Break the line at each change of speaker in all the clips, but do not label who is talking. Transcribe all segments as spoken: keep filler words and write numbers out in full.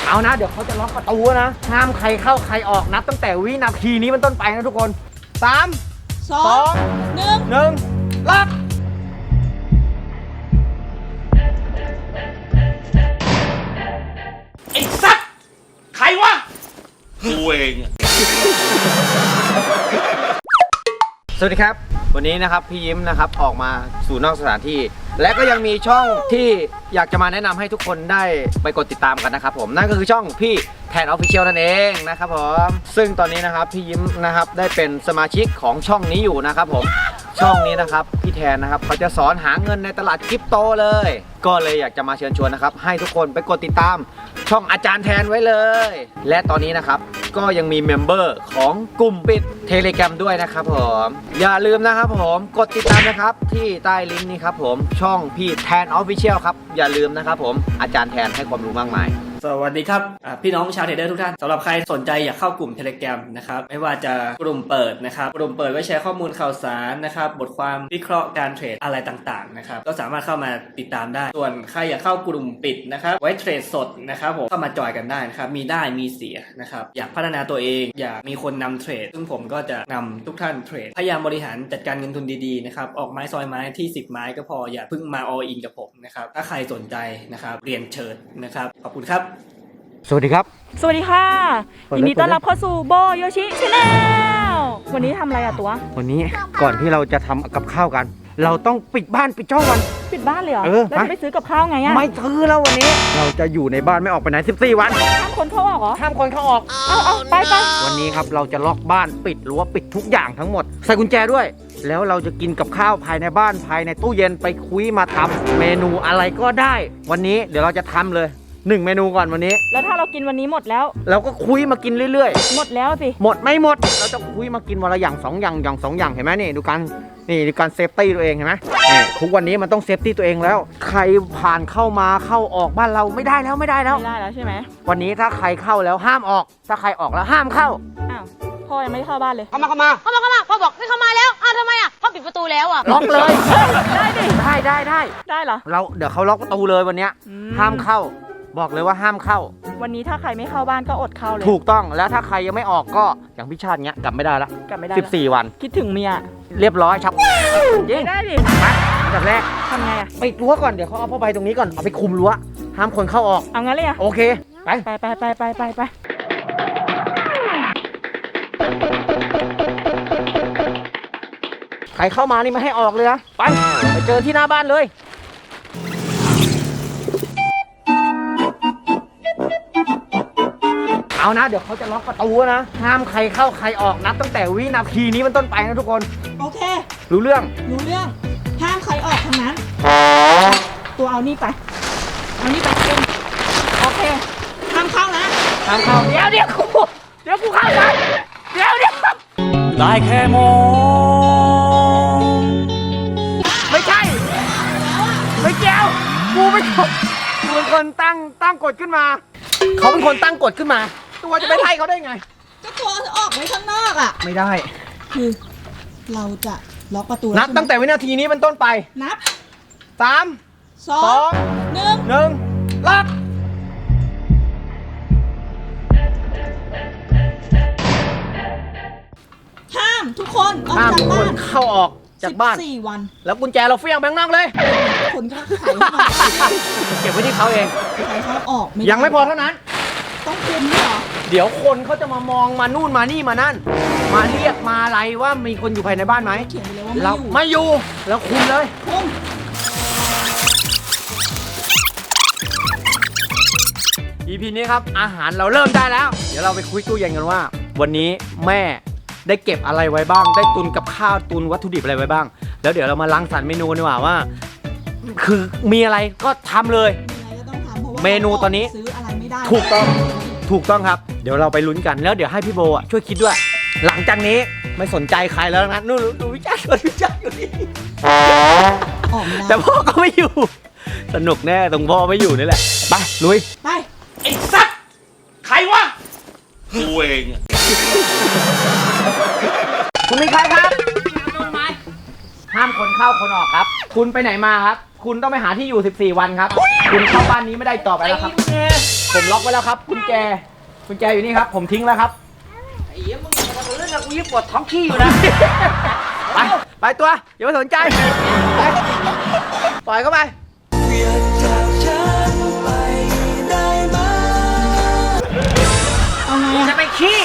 เอานะเดี๋ยวเขาจะล็อกประตูนะห้ามใครเข้าใครออกนับตั้งแต่วินาทีนี้เป็นต้นไปนะทุกคนสาม
สองหนึ่ง
หนึ่งล็อก
ไอ้สัตว์ใครวะกูเอง
สวัสดีครับวันนี้นะครับพี่ยิ้มนะครับออกมาสู่นอกสถานที่และก็ยังมีช่องที่อยากจะมาแนะนำให้ทุกคนได้ไปกดติดตามกันนะครับผมนั่นก็คือช่องพี่แทนออฟฟิเชียลนั่นเองนะครับผมซึ่งตอนนี้นะครับพี่ยิ้มนะครับได้เป็นสมาชิกของช่องนี้อยู่นะครับผมช่องนี้นะครับพี่แทนนะครับเขาจะสอนหาเงินในตลาดคริปโตเลยก็เลยอยากจะมาเชิญชวนนะครับให้ทุกคนไปกดติดตามช่องอาจารย์แทนไว้เลยและตอนนี้นะครับก็ยังมีเมมเบอร์ของกลุ่มปิด Telegram ด้วยนะครับผมอย่าลืมนะครับผมกดติดตามนะครับที่ใต้ลิงก์นี้ครับผมช่องพี่แทนออฟฟิเชียลครับอย่าลืมนะครับผมอาจารย์แทนให้ความรู้มากมาย
สวัสดีครับพี่น้องชาวเทรดเดอร์ทุกท่านสำหรับใครสนใจอยากเข้ากลุ่ม Telegram นะครับไม่ว่าจะกลุ่มเปิดนะครับกลุ่มเปิดไว้แชร์ข้อมูลข่าวสารนะครับบทความวิเคราะห์การเทรดอะไรต่างๆนะครับก็สามารถเข้ามาติดตามได้ส่วนใครอยากเข้ากลุ่มปิดนะครับไว้เทรดสดนะครับผมเข้ามาจอยกันได้นะครับมีได้มีเสียนะครับอยากพัฒนาตัวเองอยากมีคนนำเทรดซึ่งผมก็จะนำทุกท่านเทรดพยายามบริหารจัดการเงินทุนดีๆนะครับออกไม้ซอยไม้ที่สิบไม้ก็พออย่าเพิ่งมา all in กับผมนะครับถ้าใครสนใจนะครับเรียนเชิญนะครับขอบคุณครับ
สวัสดีครับ
สวัสดีค่ะยินดีต้อนรับเข้าสู่โบโยชิชาแนลวันนี้ทำอะไรอะตัว
วันนี้ก่อนที่เราจะทำกับข้าวกันเราต้องปิดบ้านปิดช่องกัน
ปิดบ้านเลยเหรอ
เออ
แล้วจะไปซื้อกับข้าวไงอะ
ไม่ซื้อแล้ววันนี้เราจะอยู่ในบ้านไม่ออกไปไหนสิบสี่วัน
ห้ามคนเข้าออกเหรอ
ห้ามคนเข้าออก
เอาเอาไปไป
วันนี้ครับเราจะล็อกบ้านปิดรั้วปิดทุกอย่างทั้งหมดใส่กุญแจด้วยแล้วเราจะกินกับข้าวภายในบ้านภายในตู้เย็นไปคุยมาทำเมนูอะไรก็ได้วันนี้เดี๋ยวเราจะทำเลยหนึ่งเมนูก่อนวันนี้
แล้วถ้าเรากินวันนี้หมดแล้ว
เราก็คุยมากินเรื่อย
ๆหมดแล้วสิ
หมดไม่หมดเราจะคุยมากินวันละอย่างสองอย่างอย่างสองอย่างเห็นไหมนี่ดูกันนี่ดูการเซฟตี้ตัวเองเห็นไหมนี่ทุกวันนี้มันต้องเซฟตี้ตัวเองแล้วใครผ่านเข้ามาเข้าออกบ้านเราไม่ได้แล้วไม่ได้แล้ว
ไม่ได้แล้วใช่ไหม
วันนี้ถ้าใครเข้าแล้วห้ามออกถ้าใครออกแล้วห้ามเข้า
อ้าวพ่อยังไม่เข้าบ้านเลย
เข้ามาเข้ามา
เข้ามาเข้ามาพ่อบอกให้เข้ามาแล้วอ้าวทำไมอ่ะพ่อปิดประตูแล้วอ่ะ
ล็อกเลย
ได้ดิ
ได้ได้ได้
ได้เหรอ
เราเดี๋ยวเขาล็อกประตูเลยวันนี้ห้ามเข้าบอกเลยว่าห้ามเข้า
วันนี้ถ้าใครไม่เข้าบ้านก็อดเข้าเลย
ถูกต้องแล้วถ้าใครยังไม่ออกก็อย่างพี่ชาติเงี้ยกลับไม่ได้ละ
กลับไม่ได้
สิบสี่วัน
คิดถึงเมีย
เรียบร้อยชับ
ยิงได้ดิ
มาอันดับแรก
ทำไงอะ
ปิดรั้วก่อนเดี๋ยวเขาเอาผ้าใบตรงนี้ก่อนเอาไปคุมรั้วห้ามคนเข้าออก
เอางั้นเลยอะ
โอเคไป
ไปไปไปไปไปไป
ใครเข้ามานี่ไม่ให้ออกเลยนะไปไปเจอที่หน้าบ้านเลยเอานะเดี๋ยวเขาจะล็อกประตูนะห้ามใครเข้าใครออกนับตั้งแต่วินาทีนี้เป็นต้นไปนะทุกคน
โอเค
รู้เรื่อง
รู้เรื่องห้ามใครออกทั้งนั้นตัวเอานี่ไปเอานี่ไปเองโอเคห้ามเข้านะ
ห้ามเข้าเดี๋ยวเดี๋ยวกูเดี๋ยวกูเข้าไปเดี๋ยวเดี๋ยว
ได้แค่มอง
ไม่ใช่ไม่เกี่ยวกูไม่ถูกกูเป็นคนตั้งตั้งกฎขึ้นมาเขาเป็นคนตั้งกฎขึ้นมาตัวจะไปไล่เขาได้ไง
ก็ตัวออกไว้ข้างนอกอ่ะ
ไม่ได้
คือเราจะล็อกประตู
นับตั้งแต่วินาทีนี้เป็นต้นไป
นับ
สาม
สองหนึ่ง
หนึ่งล็อก
ห้ามทุกคนออกจากบ้าน
เข้าออกจากบ้าน
สี่วัน
แล้วกุญแจเราเฟี้ยงแบงค์นอกเลย
คนก็ขายเข้ามา
เก็บไว้ที่เขาเอง
ขายเขาออก
ยังไม่พอเท่านั้น
ต้องคุมด้วยเหรอ
เดี๋ยวคนเขาจะมามองมานู่นมานี่มานั่นมาเรียกมาอะไรว่ามีคนอยู่ภายในบ้านไหม
เขียนไปเลยว่า
เราไม่อยู่แล้วคุมเลย
คุม
อี พี นี้ครับอาหารเราเริ่มได้แล้วเดี๋ยวเราไปคุยตู้เย็นกันว่าวันนี้แม่ได้เก็บอะไรไว้บ้างได้ตุนกับข้าวตุนวัตถุดิบอะไรไว้บ้างแล้วเดี๋ยวเรามารังสรรค์เมนูดีกว่าว่าคือมีอะไรก็ทำเลยเมนูตอนนี้ถูกต้องถูกต้องครับเดี๋ยวเราไปลุ้นกันแล้วเดี๋ยวให้พี่โบอ่ะช่วยคิดด้วยหลังจากนี้ไม่สนใจใครแล้วนะนู่นดูวิจารณ์วิจารณ์อยู่นี่แต่พ่อก็ไม่อยู่สนุกแน่ตรงพ่อไม่อยู่นี่แหละไปลุย
ไป
ไอ้สัตว์ใครวะกูเอง
คุณเป็นใครครับห้ามคนเข้าคนออกครับคุณไปไหนมาครับคุณต้องไปหาที่อยู่สิบสี่วันครับคุณเข้าบ้านนี้ไม่ได้ต่อไปแล้วครับผผมล็อกไว้แล้วครับกุญแจกุญแจอยู่นี่ครับ ผมทิ้งแล้วครับไอ้เหี้ยมึงมาทำเรื่องกับกูยิ่งปวดท้องขี้อยู่นะไปไปตัวอย่าไปสนใจไปปล่อยเข้าไปจะไปขี้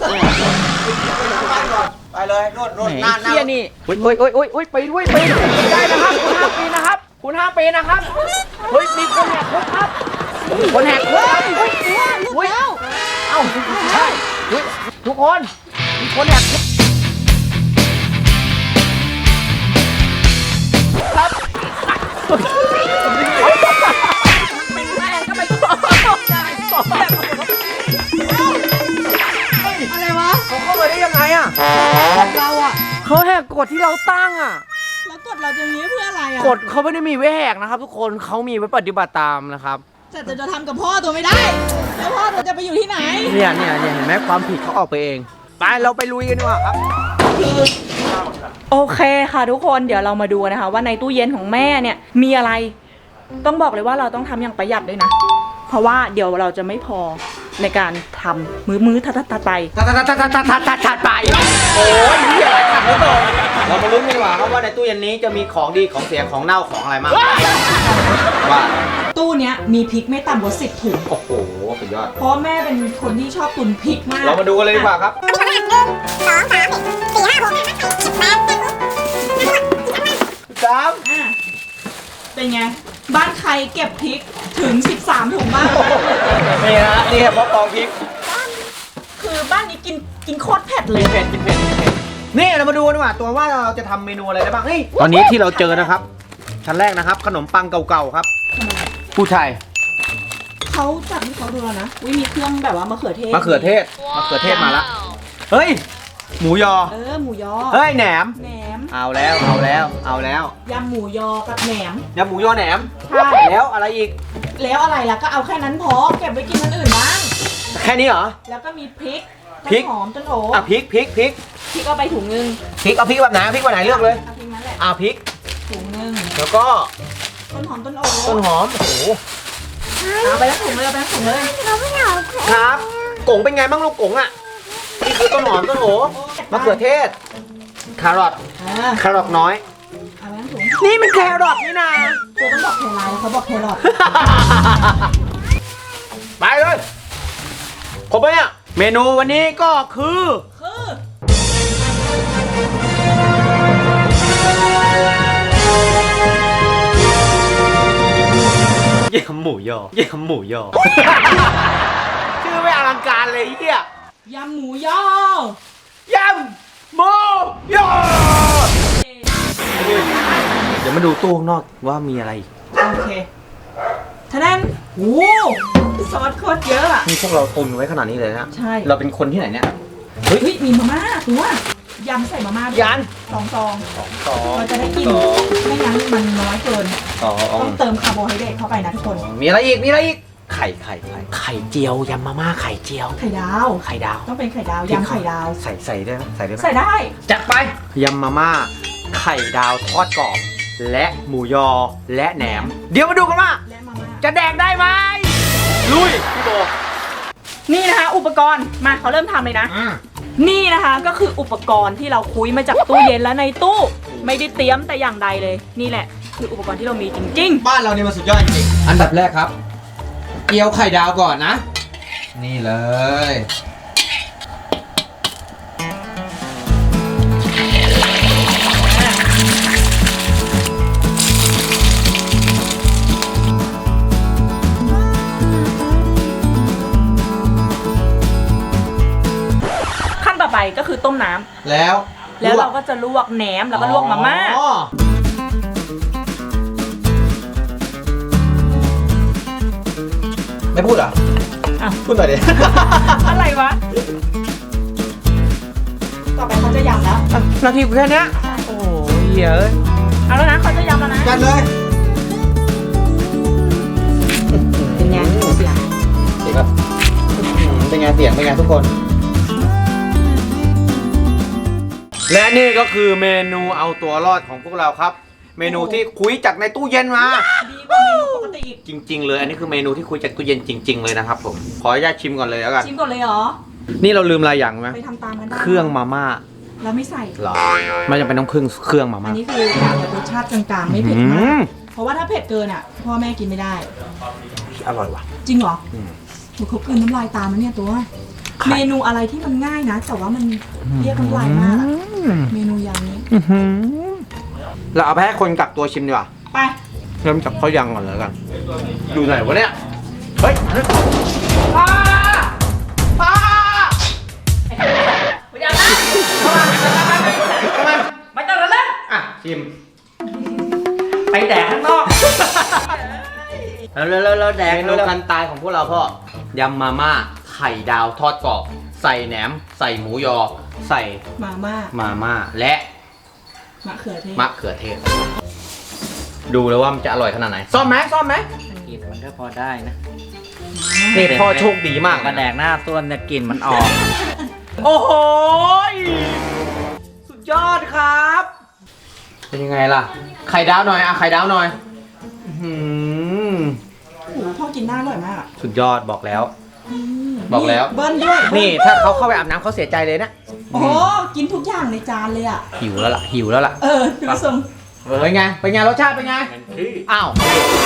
ไปเลยโน่นโน่นหน้าหน้านี่โอ้ยโอ้ยโอ้ยโอ้ยโอ้ยไปด้วยไปไม่ได้นะครับคุณห้าปีนะครับคุณห้าปีนะครับเฮ้ยมีคนแหกคุกครับคนแหกคุกเฮ้ยเฮ้ยเอ้าใช่เฮ้ยทุกคนมีคนแหกคุกครับเป็นแม่ก็ไปต่ออะไรวะเขาเข้ามาได้ยังไงอ่ะเราอ่ะเขาแหกกฎที่เราตั้งอ่ะ
แล้วกดเราจะนี้เพื่ออะไรอ่ะ
กฎเขาไม่ได้มีไว้แหกนะครับทุกคนเขามีไว้ปฏิบัติตามนะครับ
แต่จะจะทำกับพ่อตัวไม่ได้แล้วพ่อตัวจะไปอยู่ที่ไหน
เนี่ยเนี่ยเนี่ยเห็นไหมความผิดเขาออกไปเองไปเราไปลุยกันดีกว่าครับ
โอเคค่ะทุกคนเดี๋ยวเรามาดูนะคะว่าในตู้เย็นของแม่เนี่ยมีอะไรต้องบอกเลยว่าเราต้องทำอย่างประหยัดด้วยนะเพราะว่าเดี๋ยวเราจะไม่พอในการทำมื้อมื้อทัดทัดไป
ทัดทัดทัดทัดทัดทัดทัดทัดไปโอ้ยเหี้ยขัดแล้วต่อเรามาลุ้นกันดีกว่าครับว่าในตู้เย็นนี้จะมีของดีของเสียของเน่าของอะไรมากว่า
ตู้เนี้ยมีพริกไม่ต่ำกว่าสิบถุง
โอ้โหสุดยอด
เพราะแม่เป็นคนที่ชอบตุนพริกมาก
เรามาดูกันเลยดีกว่าครับสาม
เป็นไงบ้านใครเก็บพริกถึงสิบสามถุงบ้าง
นี่ฮะนี่แค่เพราะกองพริก
คือบ้านนี้กินกินโคตรเผ็ดเลย
เผ็ดกินเผ็ดเผ็ดนี่เรามาดูกันดีกว่าตัวว่าเราจะทำเมนูอะไรได้บ้างนี่ตอนนี้ที่เราเจอนะครับชั้นแรกนะครับขนมปังเก่าๆครับผู้ชาย
เขาจัดให้เขาดูแล้วนะวิมีเครื่องแบบว่ามะเขือเทศ
มะเขือเทศมะเขือเทศมาละเฮ้ยหมูยอ
เออหมูยอ
เฮ้ยแหนม
แหนม
เอาแล้วเอาแล้วเอาแล้ว
ยำหมูยอกับแหนม
ยำหมูยอแหนม
ใช่
แล้วอะไรอีก
แล้วอะไรล่ะก็เอาแค่นั้นพอเก็บไว้กินอันอื่นบ้าง
แค่นี้เหรอ
แล้วก็มีพริก
พริก
หอมต้นโอ
อ่ะพริกพริกพริก
พริกเอาไปถุงนึง
พริกเอาพริกแบบไหนพริกแบบไหนเลือกเลย
เอาพริกนั้นแหละ
อ่ะพริก
ถุงนึง
แล้วก็
ต้นหอมต้นโอ
ต้นหอมโอ้โห
เอาไปแล้วถุงเลยเอาไปแล้วถุงเลย
ครับกงเป็นไงบ้างลูกกงอ่ะนี่คือต้นหอมต้นโอมะเขือเทศแครอทแครอทน้อยนี่มันแครอทนี่นะ
ตัวต้องบอกแครอทเขาบอกแครอท
ไปเลยครบไหมอ่ะเมนูวันนี้ก็คือ
คื
อยำหมูยอยำหมูยอชื่อไม่อลังการเลยเฮีย
ยำหมูยอย
ำหมูยอเดี๋ยวมาดูตู้ข้างนอกว่ามีอะไร
โอเคท่านั้นโอ้ซอสโคตรเยอะอ่ะ
นี่พวกเราตุนไว้ขนาดนี้เลยนะ
ใช่
เราเป็นคนที่ไหนเนี่ย
เฮ้ยมีมาม่าตัวยำใส่มาม่า
ยัน
สองซอง
สองซอง
เราจะได้กินไม่งั้นมันน้อยเกินต้องเติมคาร์โบไฮเดรตเข้าไปนะทุกคน
มีอะไรอีกมีอะไรอีกไข่ไข่ไข่ไข่เจียวยำมาม่าไข่เจียว
ไข่ดาว
ไข่ดาว
ต้องเป็นไข่ดาวยำไข่ดาว
ใส่ใส่ได้ไหมใส่ได้ไหม
ใส่ได้
จัดไปยำมาม่าไข่ดาวทอดกรอบและหมูยอและแหนมเดี๋ยวมาดูกันว่าจะแดกได้ไหมลุยพี่โบ
นี่นะคะอุปกรณ์มาเขาเริ่มทำเลยนะนี่นะคะก็คืออุปกรณ์ที่เราคุยมาจากตู้เย็นแล้วในตู้ไม่ได้เตรียมแต่อย่างใดเลยนี่แหละคืออุปกรณ์ที่เรามีจริง
ๆบ้านเราเนี่ยมันสุดยอดจริงอันดับแรกครับเกี๊ยวไข่ดาวก่อนนะนี่เลย
ขั้นต่อไปก็คือต้มน้ำ
แล้ว
แล้วเราก็จะลวกแหนมแล้วก็ลวกมาม่า
ไม่พูดเหรอ
อ่ะ
พูดหน่อยดิ
อะไรวะต่อไปเขาจะยำแล้ว
นาทีแค่นี้โอ้ยเยอะ
เอาแล้วนะเขาจะยำแล้วนะ
กันเลย
เป็นไงเสียง
เสียงแบบเป็นไงเสียงเป็นไงทุกคนและนี่ก็คือเมนูเอาตัวรอดของพวกเราครับเมนูที่คุยจากในตู้เย็นมา
ดีกว่าเมนูปกติอีก
จริง ๆ เลย อันนี้คือเมนูที่คุยจากตู้เย็นจริง ๆ เลยนะครับผม ขออนุญาตชิมก่อนเลยแล้วกัน
ชิมก่อนเลยเหรอ
นี่เราลืมอะไรอย่างไหม
ไปทำตามกันได้
เครื่องมาม่า
เราไม่ใส่
เหรอ ไม่จำเป็นต้องเครื่องเครื่องมา
อั
ม่าน
นี้คืออยากแบบรสชาติกลางๆไม่เผ็ด
อื
มาก
ม
เพราะว่าถ้าเผ็ดเกินอ่ะพ่อแม่กินไม่ได้
อร่อยว่ะ
จริงเหรอ
อืม
หนูเขากลืนน้ำลายตามแล้วเนี่ยตัว เมนูอะไรที่มันง่ายนะ แต่ว่ามันเรียกน้ำลายมากอะเมนูอย่างนี้
อื้อหือเราเอาไปให้คนกักตัวชิมดีกว่า
ไป
เริ่มจากข้าวยังก่อนเลยกัน อยู่ไหนวะเนี่ย เฮ้ยป้าป้าไม่ได้นะเข้ามาเข้ามา
ไม่ต้องแล้วนะ
อ่ะชิม
ไปแดกข้างนอก
แล้วแล้วแล้วแดงเมนูกันตายของพวกเราพ่อยำมาม่าไข่ดาวทอดกรอบใส่แหนม ใส่หมูยอ ใส่
มาม่า
มาม่าและ
มะเขือเทศ
มะเขือเทศ ดูเลยว่ามันจะอร่อยขนาดไหนซ่อมไหมซ่อมไหม
กลิ่นมันก็พอได้นะ
นี่พ่อโชคดีมาก
กระแดกหน้าต้นเนี่ยกลิ่นมันออก
โอ้โหสุดยอดครับ เป็นยังไงล่ะ ไข่ดาวหน่อยอะไข่ดาวหน่อยอื้อหือ
โอ้โหพ่อกินได้อร่อยมากอะ
สุดยอดบอกแล้ว บอกแล้ว
เบิ้ลด้วย
นี่ถ้าเขาเข้าไปอาบน้ำเขาเสียใจเลยนะ
โอ้โหกินทุกอย่างในจานเลยอ่ะ
หิวแล้วล่ะหิวแล้วล่ะ
เออดูทรง
เป็นไงเป็นไงรสชาติเป็นไงอ้าว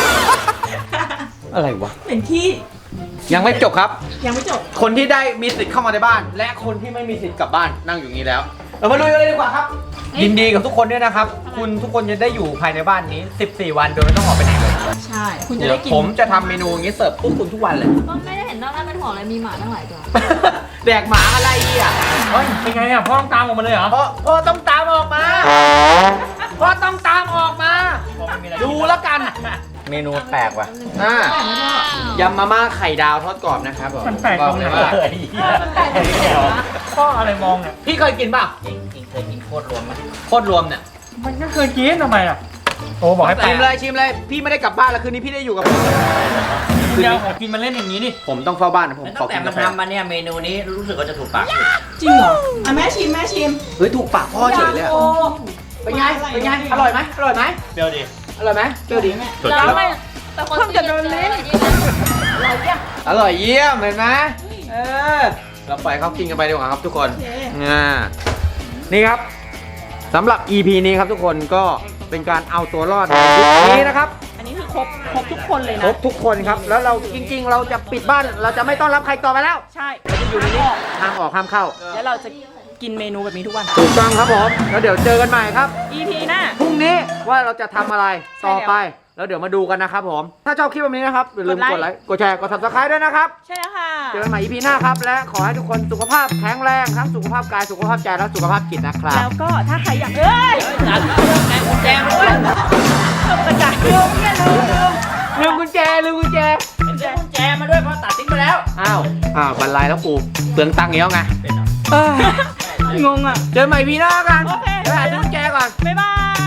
อะไรวะ
เป็นที่
ยังไม่จบครับ
ยังไม่จบ
คนที่ได้มีสิทธิ์เข้ามาในบ้าน และคนที่ไม่มีสิทธิ์กลับบ้านนั่งอยู่นี้แล้ว เรามาลุยกันเลยดีกว่าครับ ยินดีกับทุกคนด้วยนะครับ คุณทุกคนจะได้อยู่ภายในบ้านนี้ สิบสี่ วันโดยไม่ต้องออกไปไหนเลย
ใช่ คุณจะ
เดี๋ย
ได้
ว
กิน
ผมจะทำเมนูอย่างนี้เสิร์ฟพวกคุณทุกวันเลย
ก็ไม่ได้เห็นนอกนั้นเป็นห่วงเลยมีหมาตั้งหลายตัว
แดกหมาอะไรอ่ะ
เฮ้ย เป็นไงอ่ะ พ่อต้องตามออกมาเลยเหรอ
พ่อพ่อต้องตามออกมาพ่อต้องตามออกมา ดูแล้วกัน เมนูแปลกว่ะอ่ายำมาม่าไข่ดาวทอดกรอบนะครับผม
มันแปลกตรงไหน
บอกเลยว่า
เลยพ่ออะไรมองเนี่ย
พี่เคยกินป่ะ
จริงจริงเคยกินโคตรรวมไหม
โคตรรวมเนี่ย
มันก็เคยกินทำไมอ่ะ โอ้บอกให้แปล
ชิ
ก
มเลยชิมเลยพี่ไม่ได้กลับบ้านแล้วคืนนี้พี่ได้อยู่กับผม
คุณจะเอาของกินมาเล่นอย่างนี้ดิ
ผมต้องเฝ้าบ้านนะผมข
ตั้
อง
แต่
กิน
มั
กาน แฟ
ทำมาเนี่ยเมนูนี้รู้สึกว่าจะถูกปาก
จริงเหรออ่ะแม่ชิมแม่ชิม
เฮ้ยถูกปากพ่อเฉยเลยอะ
โอ้
เป็นไงเป็นไงอร่อยไหมอร่อยไหม
เปรี้ยวดิ
อร่อยไหมเปรี้ยวดี
แล้วไม่แต่คนที่จะโดนลิ้น
อร่อยเยี่ยมเห็นไหมเออเราปล่อยเขากินกันไปดีกว่าครับทุกคนอ่านี่ครับสำหรับ อี พี นี้ครับทุกคนก็เป็นการเอาตัวรอดในยุคนี้นะครับ
อันนี้คือครบครบทุกคนเลย
คร
นะ
บทุกคนครับ แล้วเราจริง ๆ เราจะปิดบ้านเราจะไม่ต้อนรับใครต่อไปแล้ว
ใช่
อยู่ในนี้ห้ามออกห้ามเข้า
แล้วเราจะกินเมนูแบบนี้ทุกวัน
ถูกต้องครับผมแล้วเดี๋ยวเจอกันใหม่ครับ
อี พี หน้า
พรุ่งนี้ว่าเราจะทำอะไร
ใช่
ต่อ
แล้ว
ไป แล้วเดี๋ยวมาดูกันนะครับผม ถ้าชอบคลิปแบบนี้นะครับอย่าลืม
ก
ก
ด
ด
ไล
ไล
ค์
ค์กดแชร์กด ซับสไครบ์ ด้วยนะครับ
ใช่แล้วค่ะ
เจอกันใหม่ อี พี หน้าครับ และขอให้ทุกคนสุขภาพแข็งแรงทั้งสุขภาพกายสุขภาพใจและสุขภาพจิตนะครับ
แล้วก็ถ้าใครอยากเอ้ย
แจงด้วย
ตกกระจายเรื่องเนี่ยลืมลืม
ลืมกุญแจลืมกุญแจ
แจงแจมาด้วยเพราะตัดทิ้งไปแล้ว
อ้าวอ้าวบรรลัยแล้วกูเปลืองตังค์อีกแล้วไงเอ้ย
งงอ่ะ
เจอกันใหม่ อี พี หน้ากัน
โอเค
ไปหาซื้อกุญแจก่อน
บ๊ายบาย